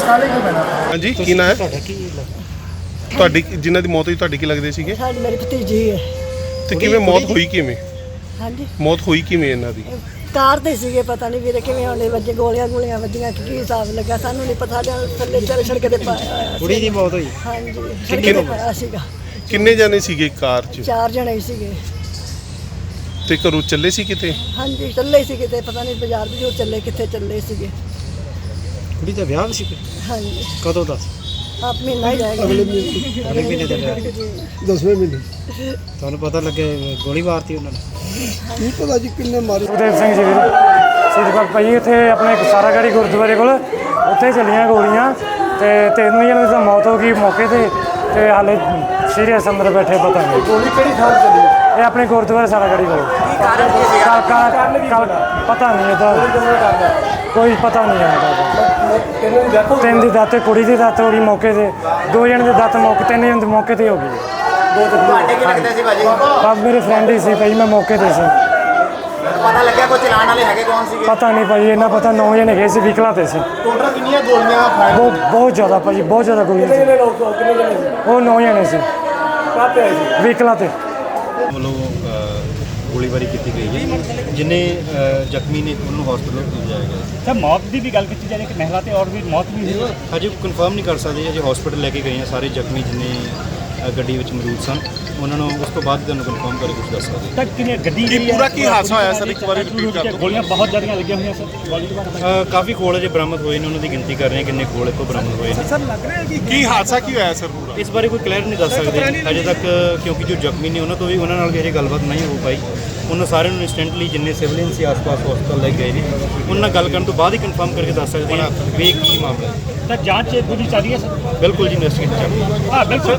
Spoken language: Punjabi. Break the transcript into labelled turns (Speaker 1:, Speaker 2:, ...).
Speaker 1: ਹਾਂਜੀ ਕੀ ਨਾਂ ਹੈ ਤੁਹਾਡੀ ਜਿਨ੍ਹਾਂ ਦੀ ਮੌਤ ਹੋਈ ਤੁਹਾਡੀ ਕੀ ਲੱਗਦੇ ਸੀਗੇ
Speaker 2: ਸਾਡੀ ਮੇਰੀ ਭਤੀਜੀ ਹੈ।
Speaker 1: ਤੇ ਕਿਵੇਂ ਮੌਤ ਹੋਈ ਕਿਵੇਂ
Speaker 2: ਹਾਂਜੀ
Speaker 1: ਮੌਤ ਹੋਈ ਕਿਵੇਂ ਇਹਨਾਂ ਦੀ
Speaker 2: ਕਾਰ ਤੇ ਸੀਗੇ ਪਤਾ ਨਹੀਂ ਵੀਰੇ ਕਿਵੇਂ ਹੋਣੇ ਵੱਜੇ ਗੋਲੀਆਂ ਵੱਜੀਆਂ ਕੀ ਹਿਸਾਬ ਲੱਗਾ ਸਾਨੂੰ ਨਹੀਂ ਪਤਾ ਥੱਲੇ ਚੜ ਸੜਕ ਤੇ ਪਾਇਆ ਹੋਇਆ
Speaker 3: ਕੁੜੀ ਦੀ ਮੌਤ ਹੋਈ
Speaker 2: ਹਾਂਜੀ ਸੜਕ ਤੇ ਪਾਇਆ ਸੀਗਾ।
Speaker 1: ਕਿੰਨੇ ਜਾਣੇ ਸੀਗੇ ਕਾਰ 'ਚ
Speaker 2: 4 ਜਣੇ ਹੀ ਸੀਗੇ।
Speaker 1: ਤੇ ਘਰੋਂ ਚੱਲੇ ਸੀ ਕਿਤੇ
Speaker 2: ਹਾਂਜੀ ਚੱਲੇ ਸੀ ਕਿਤੇ ਪਤਾ ਨਹੀਂ ਬਾਜ਼ਾਰ ਵੀ ਚੱਲੇ ਕਿੱਥੇ ਚੱਲੇ ਸੀਗੇ।
Speaker 3: ਕੁੜੀ ਦਾ ਵਿਆਹ ਸੀ
Speaker 2: ਹਾਂਜੀ
Speaker 3: ਕਦੋਂ ਦਾ
Speaker 2: ਆਪ ਮਹੀਨਾ ਹੀ ਜਾਏਗਾ
Speaker 3: ਅਗਲੇ ਮਹੀਨੇ ਦਾ ਵਿਆਹ
Speaker 4: 10ਵੇਂ ਮਹੀਨੇ
Speaker 3: ਤੁਹਾਨੂੰ ਪਤਾ ਲੱਗੇ ਗੋਲੀ ਮਾਰਤੀ ਉਹਨਾਂ ਨੇ
Speaker 4: ਕੀ ਪਤਾ ਜੀ ਕਿੰਨੇ ਮਾਰੇ
Speaker 5: ਸੁਖਦੇਵ ਸਿੰਘ ਜੀ ਵੀਰ ਸਿੱਧਪੁਰ ਭਾਈ ਇੱਥੇ ਆਪਣੇ ਸਾਰਾਗੜ੍ਹੀ ਗੁਰਦੁਆਰੇ ਕੋਲ ਉੱਥੇ ਚੱਲੀਆਂ ਗੋਲੀਆਂ ਤੇ 3 ਜਣਿਆਂ ਦੀ ਤਾਂ ਮੌਤ ਹੋ ਗਈ ਮੌਕੇ ਤੇ ਹਾਲੇ ਸੀਰੀਅਸ ਅੰਦਰ ਬੈਠੇ ਪਤਾ ਨਹੀਂ
Speaker 4: ਗੋਲੀ ਕਿਹੜੀ ਥਾਂ ਤੇ ਚੱਲੀ
Speaker 5: ਇਹ ਆਪਣੇ ਗੁਰਦੁਆਰੇ ਸਾਰਾਗੜ੍ਹੀ ਕੋਲ ਪਤਾ ਨਹੀਂ ਇਹਦਾ ਕੋਈ ਪਤਾ ਨਹੀਂ ਹੈ ਤਿੰਨ ਦੀ ਦਾਤ ਕੁੜੀ ਦੀ ਦਾਤ ਹੋ ਗਈ ਮੌਕੇ ਤੇ 2 ਜਣੇ ਦੀ ਦਾਤ ਮੌਕੇ 3 ਜਣੇ ਦੇ ਮੌਕੇ ਤੇ ਹੋ ਗਈ
Speaker 6: ਤੁਹਾਡੇ ਕੀ ਲੱਗਦਾ ਸੀ ਭਾਜੀ
Speaker 5: ਬਸ ਮੇਰੇ ਫਰੈਂਡ ਹੀ ਸੀ ਭਾਈ ਮੈਂ ਮੌਕੇ ਤੇ ਸੀ
Speaker 6: ਪਤਾ ਲੱਗਿਆ ਕੋਈ ਚਲਾਣ ਵਾਲੇ ਹੈਗੇ ਕੌਣ ਸੀਗੇ
Speaker 5: ਪਤਾ ਨਹੀਂ ਭਾਈ ਇਹਨਾਂ ਪਤਾ 9 ਜਣੇ ਗਏ ਸੀ ਵਹੀਕਲਾਂ ਤੇ ਸੀ
Speaker 6: ਟੋਟਲ ਕਿੰਨੀਆਂ ਗੋਲੀਆਂ ਫਾਇਰ
Speaker 5: ਬਹੁਤ ਜ਼ਿਆਦਾ ਭਾਜੀ ਬਹੁਤ ਜ਼ਿਆਦਾ ਗੋਲੀਆਂ ਸੀ ਉਹ 9 ਜਣੇ ਸੀ ਵਹੀਕਲਾਂ ਤੇ
Speaker 7: ਵੱਲੋਂ ਗੋਲੀਬਾਰੀ ਕੀਤੀ ਗਈ ਹੈ ਜਿਨੇ ਜ਼ਖਮੀ ਨੇ ਉਹਨੂੰ ਹਸਪਤਾਲ ਭੇਜਿਆ ਗਿਆ
Speaker 8: ਸਰ ਮੌਤ ਦੀ ਵੀ ਗੱਲ ਕੀਤੀ ਜਾਵੇ ਕਿ ਮਹਿਲਾ ਤੇ ਔਰ ਵੀ ਮੌਤ ਵੀ ਹੋਈ
Speaker 7: ਹਜੇ ਕਨਫਰਮ ਨਹੀਂ ਕਰ ਸਕਦੇ ਅਜੇ ਹਸਪਤਾਲ ਲੈ ਕੇ ਗਏ ਆ ਸਾਰੇ ਜ਼ਖਮੀ ਜਿਨੇ ਗੱਡੀ ਵਿੱਚ ਮੌਜੂਦ ਸਨ ਉਹਨਾਂ ਨੂੰ ਉਸ ਤੋਂ ਬਾਅਦ ਤੁਹਾਨੂੰ ਕਨਫਰਮ ਕਰਕੇ ਕੁਝ ਦੱਸ ਸਕਦੇ
Speaker 8: ਤਾਂ ਕਿੰਨੇ ਗੱਡੀ ਦੀ
Speaker 1: ਪੂਰਾ ਕੀ ਹਾਦਸਾ ਹੋਇਆ ਸਰ ਇੱਕ ਵਾਰੀ ਰਿਪੀਟ ਕਰ ਦਿਓ
Speaker 8: ਗੋਲੀਆਂ ਬਹੁਤ ਜ਼ਿਆਦੀਆਂ ਲੱਗੀਆਂ ਹੋਈਆਂ ਸਰ ਗੋਲੀ ਤੋਂ
Speaker 7: ਕਾਫੀ ਖੋਲ ਅਜੇ ਬਰਾਮਦ ਹੋਏ ਨੇ ਉਹਨਾਂ ਦੀ ਗਿਣਤੀ ਕਰ ਰਹੇ ਹਾਂ ਕਿੰਨੇ ਖੋਲ ਇੱਥੋਂ ਬਰਾਮਦ ਹੋਏ ਨੇ
Speaker 1: ਕੀ ਹਾਦਸਾ ਕੀ ਹੋਇਆ ਸਰ ਪੂਰਾ
Speaker 7: ਇਸ ਬਾਰੇ ਕੋਈ ਕਲੀਅਰ ਨਹੀਂ ਦੱਸ ਸਕਦੇ ਅਜੇ ਤੱਕ ਕਿਉਂਕਿ ਜੋ ਜ਼ਖਮੀ ਨੇ ਉਹਨਾਂ ਨਾਲ ਵੀ ਅਜੇ ਗੱਲਬਾਤ ਨਹੀਂ ਹੋ ਪਾਈ ਉਹਨਾਂ ਸਾਰਿਆਂ ਨੂੰ ਇੰਸਟੈਂਟਲੀ ਜਿੰਨੇ ਸਿਵਲੀਅਨ ਸੀ ਆਸ-ਪਾਸ ਹਸਪਤਾਲ ਲੈ ਗਏ ਨੇ ਉਹਨਾਂ ਨਾਲ ਗੱਲ ਕਰਨ ਤੋਂ ਬਾਅਦ ਹੀ ਕਨਫਰਮ ਕਰਕੇ ਦੱਸ ਸਕਦੇ ਹਾਂ ਵੀ ਕੀ ਮਾਮਲਾ ਹੈ
Speaker 8: ਤਾਂ ਜਾਂਚ ਪੂਰੀ ਚੱਲ ਰਹੀ ਹੈ ਸਰ
Speaker 7: ਬਿਲਕੁਲ ਜੀ ਇਨਵੈਸਟੀਗੇਟ ਚੱਲ ਰਹੀ ਹੈ
Speaker 8: ਹਾਂ ਬਿਲਕੁਲ